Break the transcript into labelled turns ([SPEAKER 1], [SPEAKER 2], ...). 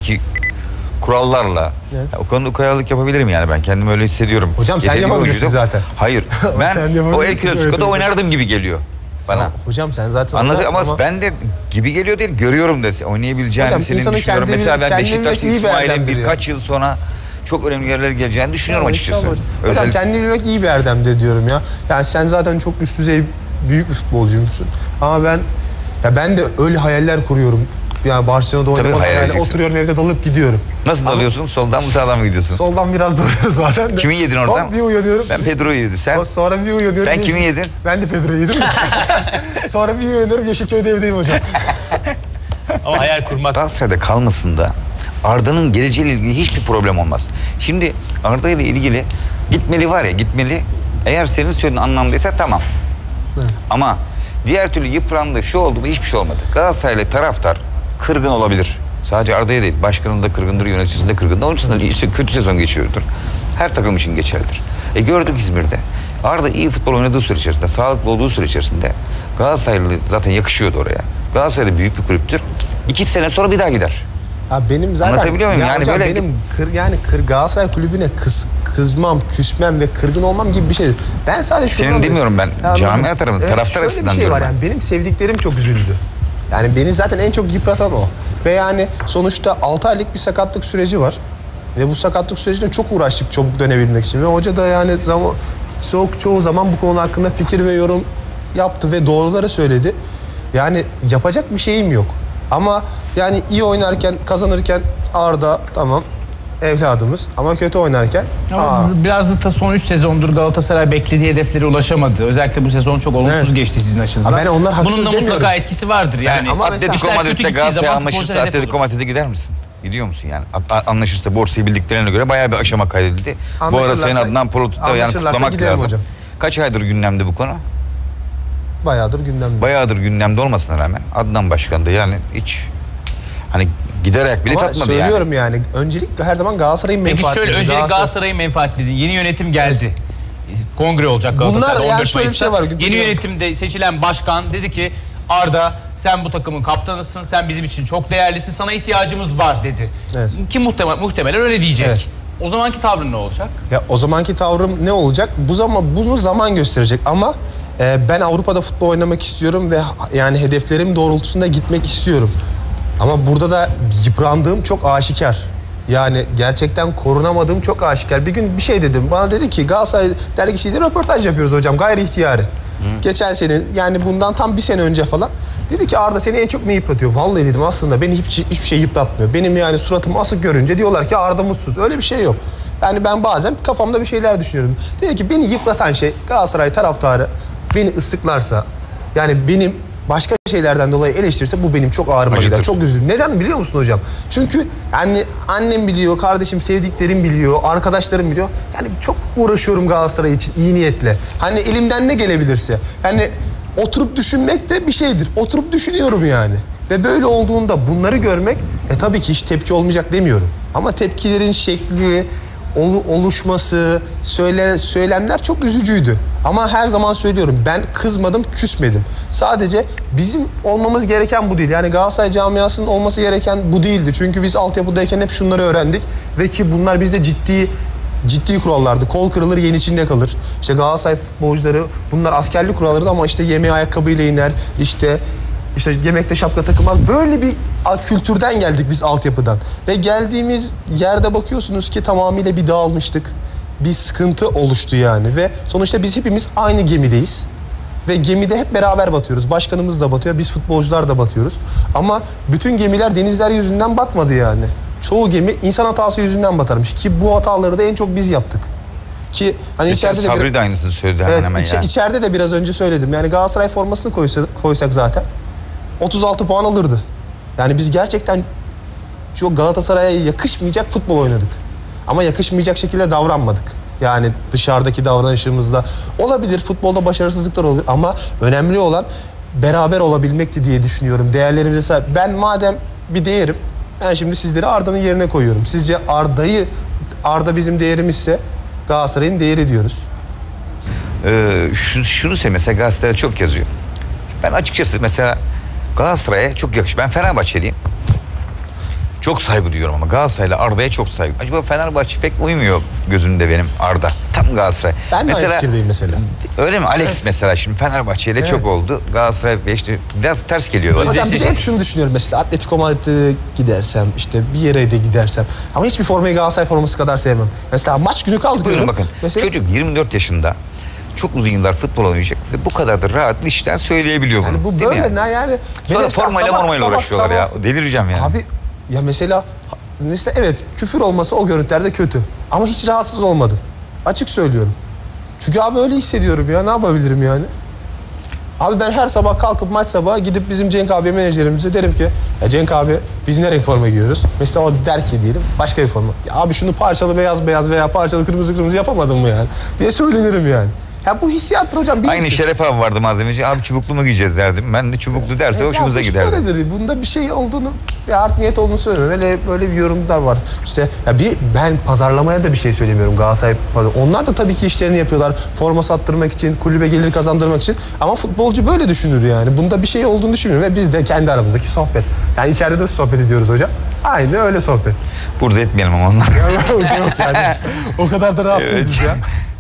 [SPEAKER 1] ki kurallarla
[SPEAKER 2] Evet.
[SPEAKER 1] o konuda ukalalık yapabilirim yani, ben kendimi öyle hissediyorum.
[SPEAKER 2] Hocam sen yapabilirsin zaten.
[SPEAKER 1] Hayır. Ben o El Clasico'da oynardım gibi geliyor bana.
[SPEAKER 2] Hocam sen zaten
[SPEAKER 1] anlatıyor ama ben de gibi geliyor değil, görüyorum da oynayabileceğini senin düşünüyorum. Mesela ben Beşiktaş İsmail'in birkaç yıl sonra çok önemli yerlere geleceğini düşünüyorum açıkçası.
[SPEAKER 2] Hocam kendini bilmek iyi bir erdemdir diyorum ya. Yani sen zaten çok üst düzey büyük bir futbolcuymuşsun. Ama ben de öyle hayaller kuruyorum. Yani Barcelona'da oynamak yani oturuyorum evde dalıp gidiyorum.
[SPEAKER 1] Nasıl dalıyorsun? Soldan mı sağdan mı gidiyorsun?
[SPEAKER 2] Soldan biraz dalıyoruz bazen de.
[SPEAKER 1] Kimi yedin oradan?
[SPEAKER 2] Hop bir uyanıyorum.
[SPEAKER 1] Ben Pedro'yu yedim. Sen?
[SPEAKER 2] Sonra bir uyanıyorum.
[SPEAKER 1] Sen kimi yedin?
[SPEAKER 2] Ben de Pedro'yu yedim. Sonra bir uyanıyorum, Yeşilköy'de evdeyim hocam.
[SPEAKER 3] Ama hayal kurmak.
[SPEAKER 1] Galatasaray'da kalmasında Arda'nın geleceğiyle ilgili hiçbir problem olmaz. Şimdi Arda ile ilgili gitmeli var ya, gitmeli. Eğer senin söylediğin anlamdaysa tamam. Evet. Ama diğer türlü yıprandı, şu oldu mu, hiçbir şey olmadı. Galatasaraylı taraftar kırgın olabilir. Sadece Arda'ya değil, başkanın da kırgındır, yöneticisinin de kırgındır. Onun için de işte kötü sezon geçiyordur. Her takım için geçerlidir. Gördük İzmir'de. Arda iyi futbol oynadığı süre içerisinde, sağlıklı olduğu süre içerisinde Galatasaraylı zaten yakışıyordu oraya. Galatasaray'da büyük bir kulüptür. 2 sene sonra bir daha gider.
[SPEAKER 2] Ya benim zaten
[SPEAKER 1] anlatabiliyor muyum? Yani
[SPEAKER 2] hocam
[SPEAKER 1] böyle
[SPEAKER 2] benim Galatasaray kulübüne kızmam, küsmem ve kırgın olmam gibi bir şey. Ben sadece şunu
[SPEAKER 1] senin demiyorum ben. Camia tarafından, taraftar açısından
[SPEAKER 2] şey
[SPEAKER 1] diyorum.
[SPEAKER 2] Var yani benim sevdiklerim çok üzüldü. Yani beni zaten en çok yıpratan o. Ve yani sonuçta 6 aylık bir sakatlık süreci var. Ve bu sakatlık sürecinde çok uğraştık çabuk dönebilmek için. Ve hoca da yani çoğu zaman bu konu hakkında fikir ve yorum yaptı ve doğruları söyledi. Yani yapacak bir şeyim yok. Ama yani iyi oynarken, kazanırken Arda tamam evladımız ama kötü oynarken
[SPEAKER 3] biraz da son 3 sezondur Galatasaray beklediği hedeflere ulaşamadı. Özellikle bu sezon çok olumsuz geçti sizin açınızdan.
[SPEAKER 2] Ben onlar haksız
[SPEAKER 3] bunun da
[SPEAKER 2] demiyorum.
[SPEAKER 3] mutlaka etkisi vardır yani.
[SPEAKER 1] Ama Atletico Madrid'de Galatasaray anlaşırsa Atletico Madrid'e gider misin? Gidiyor musun yani? Anlaşırsa borsayı bildiklerine göre bayağı bir aşama kaydedildi. Bu arada senin adından Polot'ta yani kutlamak lazım. Hocam. Kaç aydır gündemde bu konu?
[SPEAKER 2] Bayağıdır gündemde.
[SPEAKER 1] Bayağıdır gündemde olmasına rağmen Adnan Başkan da yani hiç hani giderek bile tatmadı yani.
[SPEAKER 2] Söylüyorum yani öncelik her zaman Galatasaray'ın menfaati.
[SPEAKER 3] Peki şöyle öncelik Galatasaray'ın menfaati dedi. Yeni yönetim geldi. Kongre olacak Galatasaray'da 14 Mayıs'ta. Şey var, yeni yönetimde seçilen başkan dedi ki Arda sen bu takımın kaptanısın, sen bizim için çok değerlisin, sana ihtiyacımız var dedi. Evet. Ki muhtemelen öyle diyecek. Evet. O zamanki tavrın ne olacak?
[SPEAKER 2] Ya o zamanki tavrım ne olacak? Bunu zaman gösterecek ama ben Avrupa'da futbol oynamak istiyorum ve yani hedeflerim doğrultusunda gitmek istiyorum. Ama burada da yıprandığım çok aşikar. Yani gerçekten korunamadığım çok aşikar. Bir gün bir şey dedim. Bana dedi ki Galatasaray dergisiyle röportaj yapıyoruz hocam gayri ihtiyari. Geçen sene yani bundan tam bir sene önce falan. Dedi ki Arda seni en çok ne yıpratıyor? Vallahi dedim aslında beni hiçbir şey yıpratmıyor. Benim yani suratımı asık görünce diyorlar ki Arda mutsuz. Öyle bir şey yok. Yani ben bazen kafamda bir şeyler düşünüyorum. Dedi ki beni yıpratan şey Galatasaray taraftarı beni ıslıklarsa yani benim başka şeylerden dolayı eleştirirse bu benim çok ağrıma gider. Çok üzülürüm. Neden biliyor musun hocam? Çünkü yani annem biliyor, kardeşim, sevdiklerim biliyor, arkadaşlarım biliyor. Yani çok uğraşıyorum Galatasaray için iyi niyetle. Hani elimden ne gelebilirse. Yani oturup düşünmek de bir şeydir. Oturup düşünüyorum yani. Ve böyle olduğunda bunları görmek tabii ki hiç tepki olmayacak demiyorum. Ama tepkilerin şekli, oluşması, söylemler çok üzücüydü. Ama her zaman söylüyorum ben kızmadım, küsmedim. Sadece bizim olmamız gereken bu değil. Yani Galatasaray camiasının olması gereken bu değildi. Çünkü biz altyapıdayken hep şunları öğrendik. Ve ki bunlar bizde ciddi kurallardı. Kol kırılır, yen içinde kalır. İşte Galatasaray futbolcuları bunlar askerlik kurallarıydı ama işte yemeğe ayakkabıyla iner. İşte yemekte şapka takılmaz. Böyle bir kültürden geldik biz altyapıdan. Ve geldiğimiz yerde bakıyorsunuz ki tamamıyla bir dağılmıştık. Bir sıkıntı oluştu yani. Ve sonuçta biz hepimiz aynı gemideyiz. Ve gemide hep beraber batıyoruz. Başkanımız da batıyor, biz futbolcular da batıyoruz. Ama bütün gemiler denizler yüzünden batmadı yani. Çoğu gemi insan hatası yüzünden batarmış. Ki bu hataları da en çok biz yaptık. Ki hani içeride de
[SPEAKER 1] Sabri de aynısını söyledi hemen ya.
[SPEAKER 2] İçeride de biraz önce söyledim. Yani Galatasaray formasını koysak zaten 36 puan alırdı. Yani biz gerçekten çok Galatasaray'a yakışmayacak futbol oynadık. Ama yakışmayacak şekilde davranmadık. Yani dışarıdaki davranışımızda olabilir, futbolda başarısızlıklar olur ama önemli olan beraber olabilmekti diye düşünüyorum. Değerlerimize sahip. Ben madem bir değerim, ben şimdi sizleri Arda'nın yerine koyuyorum. Sizce Arda bizim değerimizse Galatasaray'ın değeri diyoruz.
[SPEAKER 1] Şunu mesela gazetelere çok yazıyor. Ben açıkçası mesela Galatasaray'a çok yakışıyor. Ben Fenerbahçeliyim. Çok saygı duyuyorum ama Galatasaray'la Arda'ya çok saygı. Acaba Fenerbahçe pek uymuyor gözümde benim Arda. Tam Galatasaray.
[SPEAKER 2] Ben de aynı fikirdeyim mesela.
[SPEAKER 1] Öyle mi? Alex mesela şimdi Fenerbahçe ile çok oldu. Galatasaray işte biraz ters geliyor.
[SPEAKER 2] Hocam bir de hep şunu düşünüyorum mesela Atletico Madrid'e gidersem işte bir yere de gidersem ama hiçbir formayı Galatasaray forması kadar sevmem. Mesela maç günü kaldı.
[SPEAKER 1] Buyurun bakın.
[SPEAKER 2] Mesela...
[SPEAKER 1] Çocuk 24 yaşında. Çok uzun yıllar futbol oynayacak ve bu kadar da rahat işten söyleyebiliyor bunu.
[SPEAKER 2] Yani bu
[SPEAKER 1] değil
[SPEAKER 2] böyle
[SPEAKER 1] mi yani?
[SPEAKER 2] yani.
[SPEAKER 1] Sonra formayla mormayla uğraşıyorlar ya. Delireceğim yani.
[SPEAKER 2] Abi ya mesela evet küfür olması o görüntülerde kötü. Ama hiç rahatsız olmadım. Açık söylüyorum. Çünkü abi öyle hissediyorum ya. Ne yapabilirim yani? Abi ben her sabah kalkıp maç sabahı gidip bizim Cenk abi menajerimize derim ki ya Cenk abi biz ne renk forma giyiyoruz? Mesela o der ki diyelim başka bir forma. Ya abi şunu parçalı beyaz beyaz veya parçalı kırmızı kırmızı yapamadın mı yani? Diye söylenirim yani. Ya bu hissiyattır hocam.
[SPEAKER 1] Aynı Şeref abi vardı malzemeci. Abi çubuklu mu giyeceğiz derdim. Ben de çubuklu derse hoşumuza giderdi.
[SPEAKER 2] Böyledir. Bunda bir şey olduğunu, ya art niyet olduğunu söylemiyorum. Böyle bir yorumlar var. İşte ya ben pazarlamaya da bir şey söylemiyorum Galatasaray. Onlar da tabii ki işlerini yapıyorlar. Forma sattırmak için, kulübe gelir kazandırmak için. Ama futbolcu böyle düşünür yani. Bunda bir şey olduğunu düşünmüyorum. Ve biz de kendi aramızdaki sohbet. Yani içeride de sohbet ediyoruz hocam. Aynı öyle sohbet.
[SPEAKER 1] Burada etmeyelim ama onlar.
[SPEAKER 2] Yok yani. O kadar da rahat değiliz ya.